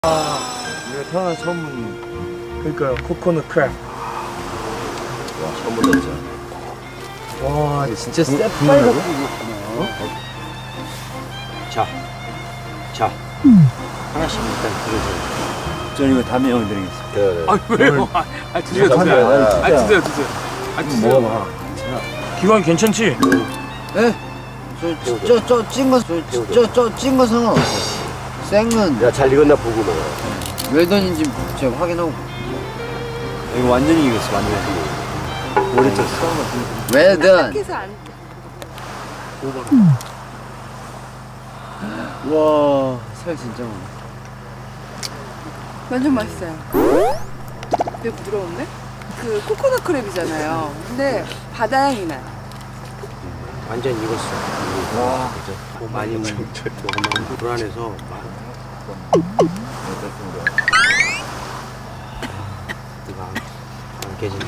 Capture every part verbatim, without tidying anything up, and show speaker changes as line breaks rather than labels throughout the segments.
아, 내가 태어난 처음 본 그러니까요, 코코넛 크랩.
와, 처음 본다 진짜.
와,
진짜 새빨갛게
어? 자, 자, 하나씩 일단 들어줘요.
저는 이거 다음에 형 드리겠습니다.
그래, 그래.
아 왜요? 아, 아 드세요
야,
드세요.
야,
아 드세요 드세요. 아 드세요.
먹어봐. 기관 괜찮지?
네? 저저저찐거저저찐거 상관없어요. 생은
야, 잘 익었나 보고 먹어.
웰던인지 제가 확인하고.
이거 완전히 익었어, 완전히. 오래 쪘어.
웰던.
해서 안
와, 살 진짜 많아.
완전 맛있어요. 되게 부드러운데? 그 코코넛 크랩이잖아요. 근데 바다 향이 나요.
완전 익었어. 와, 진짜. 많이 먹으면 불안해서 막. 이거 안, 안 깨진다.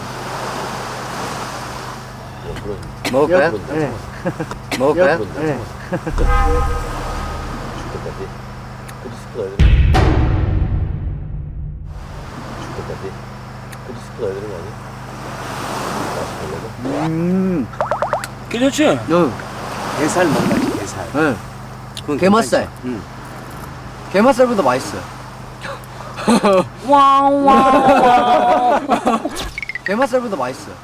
먹을까요?
네.
먹을까요?
네. 죽을 때까지. 크리스프 넣어야 되는 거 죽을 때까지. 크리스프 넣어야 되는 거 아니야? 맛있게
음,
괜찮지?
응,
게살 먹나지, 게살.
응.
그건
게맛살.
괜찮지? 응.
게맛살보다 맛있어요.
와와.
게맛살보다 맛있어요.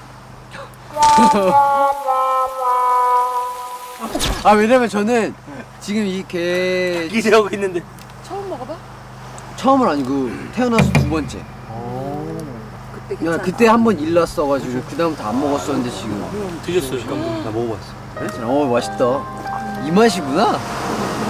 아, 왜냐면 저는 지금 이게
기대하고 있는데.
처음 먹어봐?
처음은 아니고 태어나서 두 번째.
그때
야,
괜찮아.
그때 한 번 일났어가지고 그 다음부터 안 먹었었는데 지금.
드셨어요?
나 먹어봤어.
어, 맛있다. 이 맛이구나.